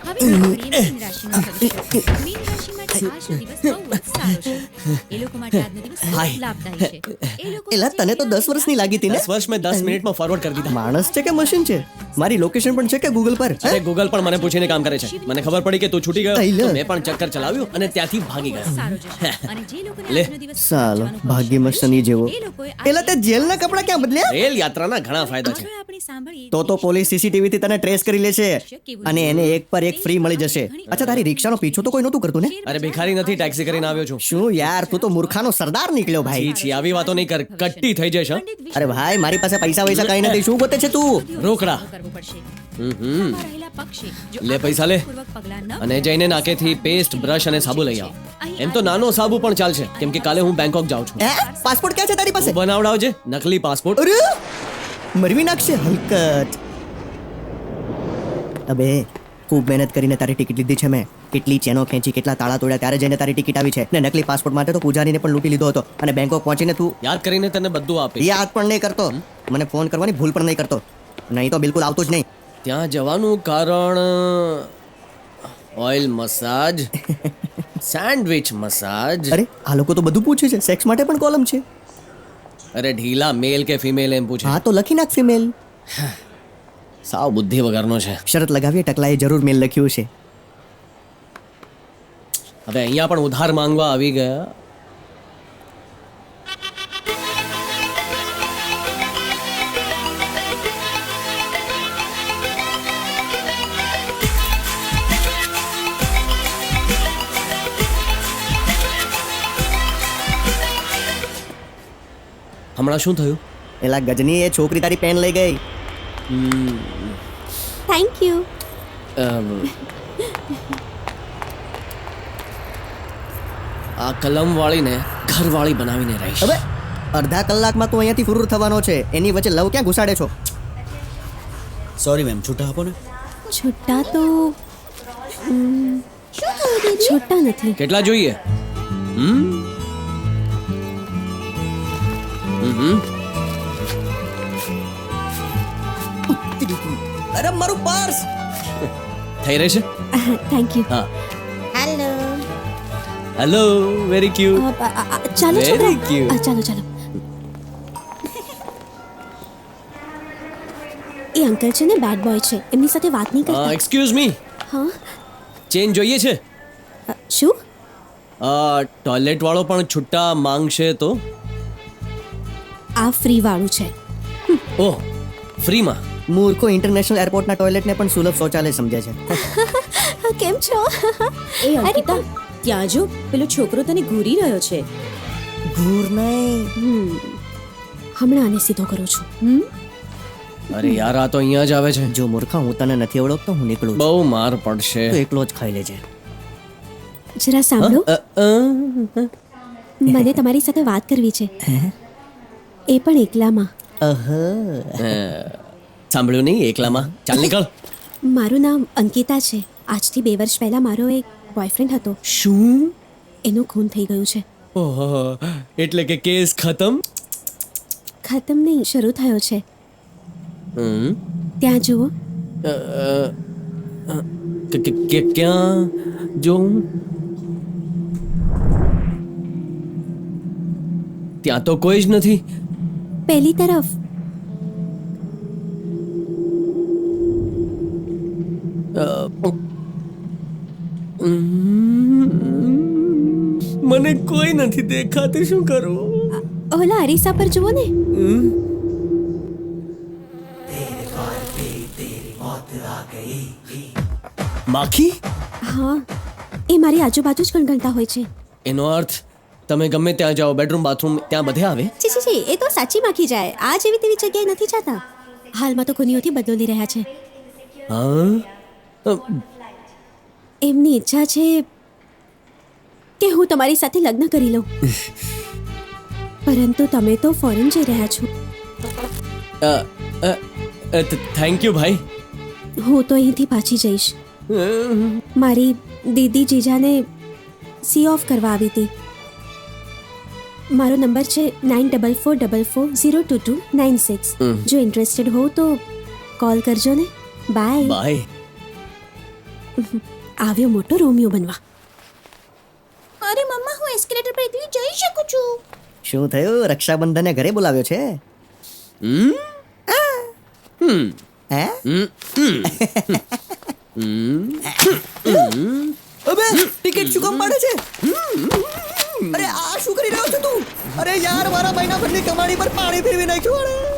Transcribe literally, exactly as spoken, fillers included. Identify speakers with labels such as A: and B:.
A: હવે આપણે મીન રાશિનું ભવિષ્ય. મીન રાશિ માટે આજનો દિવસ બહુ જ સારો છે. એ લોકો માટે આજનો દિવસ ખૂબ
B: હાય.
A: લાભદાયી છે. એ લોકો
C: એલા તને તો દસ વર્ષની લાગી હતી ને
B: દસ વર્ષ મેં દસ મિનિટમાં ફોરવર્ડ કરી દીધા.
C: માણસ છે કે મશીન છે? મારી લોકેશન પણ છે કે ગૂગલ પર હે?
B: અરે ગૂગલ પણ મને પૂછીને કામ કરે છે. મને ખબર પડી કે તું છૂટી ગયો
C: અઈ લે.
B: તો મેં પણ ચક્કર ચલાવ્યું અને ત્યાંથી ભાગી ગયો.
A: સારો જશે. અને જે લોકોને
B: લે.
A: આજનો દિવસ
C: સાલો
A: વાંચવાનું
C: ભાગ્યમાં
A: પસંદ
C: શનિ જેવો.
A: એ લોકોએ
C: એલા તે જેલના કપડા ક્યાં બદલ્યા?
B: રેલ યાત્રાના ઘણા ફાયદા છે.
A: આગળ આપણે સાંભળીએ
C: તો તો પોલીસ સીસીટીવી થી તને ટ્રેસ કરી લેશે અને એને એક પર એક ફ્રી મળી જશે. અચ્છા તારી રિક્ષાનો પીછો તો કોઈ નહોતું કરતું ને?
B: અરે ભિખારી નથી, ટેક્સી કરીને આવ્યો છું.
C: શું યાર તું તો મૂર્ખાનો સરદાર નીકળ્યો
B: છી
C: ભાઈ.
B: છી આવી વાતો નહીં કર, કટ્ટી થઈ જશે હં?
A: પંડિત
C: અરે ભાઈ મારી પાસે પૈસા વૈસા કઈ નથી. શું ગોતે છે તું?
B: રોકડા.
A: કરવું પડશે.
B: હમ હમ.
A: આમાં રહેલા પક્ષે જો
B: લે પૈસા લે.
A: પૂર્વક પગલાં ન
B: અને જઈને નાકેથી પેસ્ટ, બ્રશ અને સાબુ લઈ આવ. એમ તો નાનો સાબુ પણ ચાલશે કેમ કે કાલે હું બેંકોક જાઉં છું.
C: હે પાસપોર્ટ ક્યાં છે તારી પાસે?
B: તું બનાવડાવજે નકલી પાસપોર્ટ.
C: અરે મરવી નાખશે હલકત. અબે ખૂબ મહેનત કરીને તારી ટિકિટ લીધી છે મેં. કેટલી ચેનો ખેંચી, કેટલા તાળા તોડ્યા ત્યારે જઈને તારી ટિકિટ આવી છે. ને નકલી પાસપોર્ટ માટે તો પૂજારીને પણ લૂંટી લીધો હતો. અને બેંકોક પહોંચીને તું
B: યાદ કરીને તને બધું આપીશ.
C: યાદ પણ નહીં કરતો. મને ફોન કરવાની ભૂલ પણ નહીં કરતો. નહીં તો બિલકુલ આવતો જ નહીં.
B: ત્યાં જવાનું કારણ ઓઇલ મસાજ, સેન્ડવિચ મસાજ.
C: અરે આ લોકો તો બધું પૂછે છે. સેક્સ માટે પણ કોલમ છે.
B: અરે ઢીલા મેલ કે ફિમેલ એમ પૂછે.
C: હા તો લખી નાખ ફિમેલ.
B: સાવ બુદ્ધિ વગરનો છે.
C: શરત લગાવીએ ટકલાએ જરૂર મેલ લખ્યું છે.
B: હવે અહીંયા પણ ઉધાર માંગવા આવી ગયા. હમણાં શું થયું?
C: એલા ગજની એ છોકરી તારી પેન લઈ ગઈ.
D: Thank you.
B: અમ, આ કલમ વાળીને ઘર વાળી બનાવીને રહીશ.
C: હવે અડધા કલાકમાં તું અહીંયાથી ફુરુર થવાનો છે. એની વચ્ચે લવ ક્યાં ઘુસાડે છો?
E: સોરી મેમ, છૂટા આપો ને.
D: છૂટા તો ઉમ, છૂટા નથી.
B: કેટલા જોઈએ? હમ હમ
C: અરે મારું પર્સ.
B: થઈ રહેશે.
D: Thank you.
B: હા
D: હેલો.
B: Hello, very cute.
D: ચાલો
B: Very
D: છોકરા.
B: cute.
D: આ, ચાલો ચાલો. એ અંકલ છે ને બેડ બોય છે. એમની સાથે વાત નહીં કરતા.
B: એક્સક્યુઝ મી,
D: હા
B: ચેન જોઈએ છે?
D: અ, શું?
B: ટોયલેટ વાળો પણ છુટ્ટા માંગશે તો?
D: આ ફ્રી વાળું છે.
B: ઓહ, ફ્રીમાં?
C: મૂર્ખો ઇન્ટરનેશનલ એરપોર્ટના ટોયલેટને પણ સુલભ શૌચાલય સમજે છે.
D: હા, કેમ છો?
F: એ અંકિતા, ત્યાં જો પેલો છોકરો તને ઘૂરી રહ્યો છે.
C: ઘૂર નહીં.
D: હમ. હમણાં આને સીધો કરું છું. હમ
B: અરે યાર, આ તો અહીંયા જ આવે છે.
C: જો મૂર્ખા હું તને નથી ઓળખતો. હું નીકળું છું.
B: બહુ માર પડશે.
C: તો એકલો જ ખાઈ લેજે.
D: જરા સાંભળો.
B: અ, અ,
D: મને તમારી સાથે વાત કરવી છે. એ પણ એકલામાં.
C: અહ
B: અ, સાંભળ્યું નહીં એકલામાં? ચાલ નીકળ.
D: મારું નામ અંકિતા છે. આજથી બે વર્ષ પહેલા મારો એક બોયફ્રેન્ડ હતો.
B: શું?
D: એનું ખૂન થઈ ગયું છે.
B: ઓહો, એટલે કે કેસ ખતમ?
D: ખતમ નહીં, શરૂ થયો છે.
B: હમ
D: ત્યાં જુઓ.
B: અ, અ, કે- કે- કે- ક્યાં જોઉં? ત્યાં તો કોઈ જ નથી.
D: પહેલી તરફ.
B: અ, ઉમ, મને કોઈ નથી દેખાતું. શું કરું?
D: ઓલા અરીસા પર જુઓ ને.
B: માખી?
D: હા, એ મારી આજુબાજુ જ ગણગણતા હોય છે.
B: એનો અર્થ તમે ગમે ત્યાં જાઓ, બેડરૂમ બાથરૂમ ત્યાં બધે આવે?
D: છી છી છી, એ તો સાચી માખી જાય. આ જેવી તેવી જગ્યાએ નથી જતા. હાલમાં તો ખૂનીઓથી બદલો લઈ રહ્યા છે.
B: હા અ,
D: એમની ઈચ્છા છે કે હું તમારી સાથે લગ્ન કરી લઉં. પરંતુ તમે તો ફોરેન જઈ રહ્યા છો.
B: અ, અ, અ, થેન્ક યુ ભાઈ.
D: હું તો અહીંથી પાછી જઈશ. મારી દીદી જીજાને સી ઓફ કરવા આવી હતી. મારો નંબર છે nine double four double four zero two two nine six. જો ઇન્ટરેસ્ટેડ હો તો કોલ કરજો ને. બાય.
B: બાય.
D: આવ્યો મોટો રોમિયો બનવા.
A: અરે મમ્મા હું એસ્કેલેટર પર એકલી જઈ શકું છું.
C: શું થયું? રક્ષાબંધને ઘરે બોલાવ્યો છે?
B: હમ હમ
C: હે? અબે ટિકિટ શું કામ પાડે છે? અરે આ શું કરી રહ્યો છે તું? અરે યાર મારા મહિના ભરની કમાણી પર પાણી ફેરવી નાખ્યું.